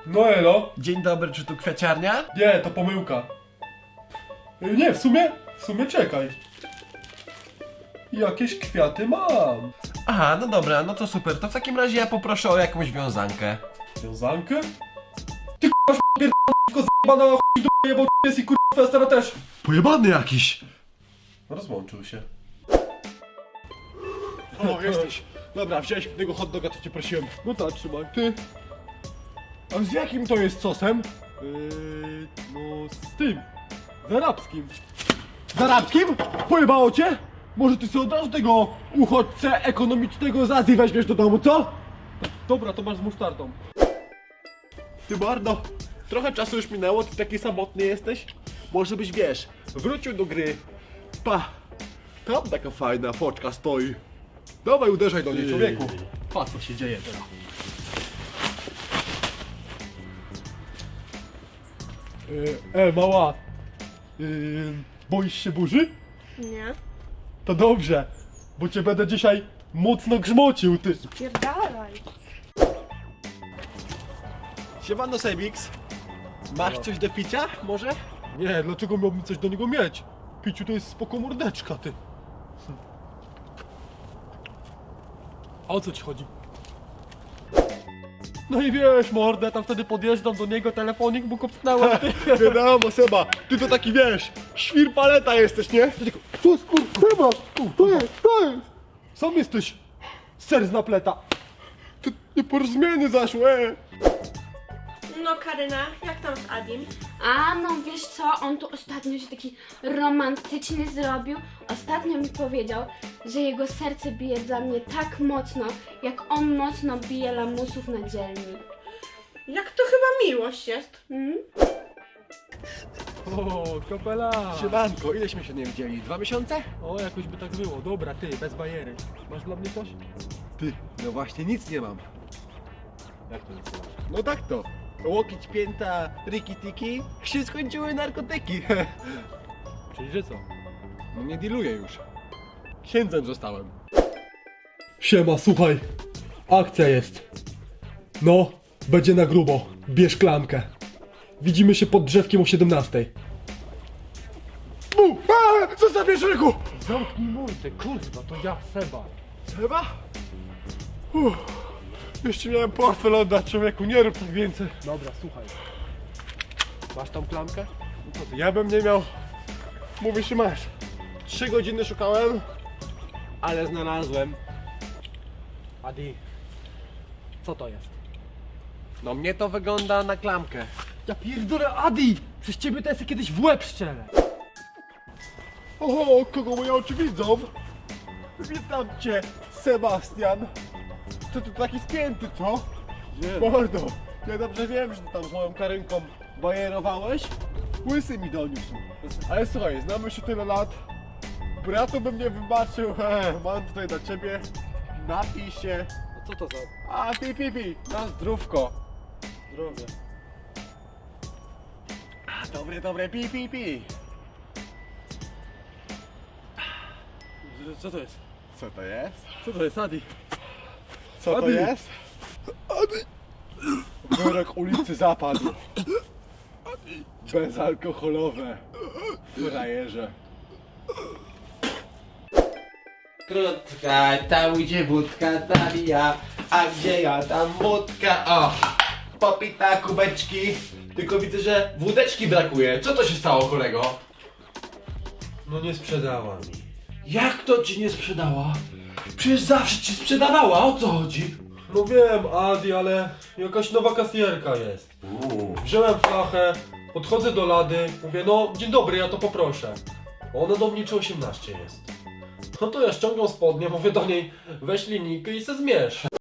No elo. Dzień dobry, czy tu kwiaciarnia? Nie, to pomyłka. Nie, w sumie czekaj. Jakieś kwiaty mam. Aha, no dobra, no to super. To w takim razie ja poproszę o jakąś wiązankę. Wiązankę? Ty k***a pierdolę, zjebana chuj do jebał jest i k***a festera też. Pojebany jakiś! Rozłączył się. O, jesteś. Dobra, wziąłeś tego hot doga, co cię prosiłem. No tak, trzymaj. Ty. A z jakim to jest sosem? No z tym. Z arabskim. Z arabskim? Pojebało cię? Może ty sobie od razu tego uchodźcę ekonomicznego z Azji weźmiesz do domu, co? Dobra, to masz z musztardą. Ty Bardo, trochę czasu już minęło, ty taki samotny jesteś? Może byś, wiesz, wrócił do gry. Pa, tam taka fajna foczka stoi. Dawaj, uderzaj do niej, człowieku. Patrz, co się dzieje teraz. Mała. Boisz się burzy? Nie. To dobrze, bo cię będę dzisiaj mocno grzmocił, ty. Pierdalaj. Siemano, Sebix. Masz coś do picia, może? Nie, dlaczego miałbym coś do niego mieć? Piciu to jest spoko mordeczka, ty. A o co ci chodzi? No i wiesz, mordę, tam wtedy podjeżdżam do niego, telefonik mu kopnąłem, ty. Wiadomo, Seba, ty to taki, wiesz, świr paleta jesteś, nie? Ty tylko, to jest, Seba, to jest. Sam jesteś ser z napleta. To nieporozumienie zaszło, No Karyna, jak tam z Adim? A no wiesz co, on tu ostatnio się taki romantyczny zrobił. Ostatnio mi powiedział, że jego serce bije dla mnie tak mocno, jak on mocno bije lamusów na dzielni. Jak to chyba miłość jest? O, kopela! Siemanko, ileśmy się nie widzieli? 2 miesiące? O, jakoś by tak było. Dobra, ty, bez bajery. Masz dla mnie coś? Ty, no właśnie nic nie mam. Jak to nic nie masz? No tak to. Łokieć, pięta, riki-tiki, się skończyły narkotyki. Czyli że co? No nie dealuję już. Księdzem zostałem. Siema, słuchaj. Akcja jest. No, będzie na grubo. Bierz klamkę. Widzimy się pod drzewkiem o 17. Zostawię ryku! Zamknij mordę, kurwa, to ja, Seba. Seba? Jeszcze miałem portfel oddać, człowieku, nie rób tak więcej. Dobra, słuchaj. Masz tą klamkę? No co ty, ja bym nie miał. Mówisz, że masz. 3 godziny szukałem, ale znalazłem. Adi, co to jest? No mnie to wygląda na klamkę. Ja pierdolę, Adi! Przez ciebie to ja sobie kiedyś w łeb strzelę! Oho, kogo moje oczy widzą? Witam cię, Sebastian! Co ty taki spięty, co? Nie. Mordo, ja dobrze wiem, że ty tam z moją Karynką bajerowałeś. Łysy mi doniósł. Ale słuchaj, znamy się tyle lat. Bratu bym nie wybaczył. Mam tutaj dla ciebie. Napij się. A co to za... A, pi. Na zdrówko. Zdrowie. Dobre, pi. Co to jest? Co to jest? Co to jest, Adi? Co to jest? Adi! Wyrok ulicy zapadł. Bezalkoholowe. Frajerze. Krótka, tam gdzie wódka zabija, a gdzie ja tam wódka, o! Popita kubeczki, tylko widzę, że wódeczki brakuje. Co to się stało, kolego? No nie sprzedała mi. Jak to ci nie sprzedała? Przecież zawsze ci sprzedawała, o co chodzi? No wiem, Adi, ale jakaś nowa kasjerka jest. Wziąłem flachę, podchodzę do lady, mówię, no dzień dobry, ja to poproszę. Ona do mnie czy 18 jest. No to ja ściągam spodnie, mówię do niej, weź linijkę i se zmierz.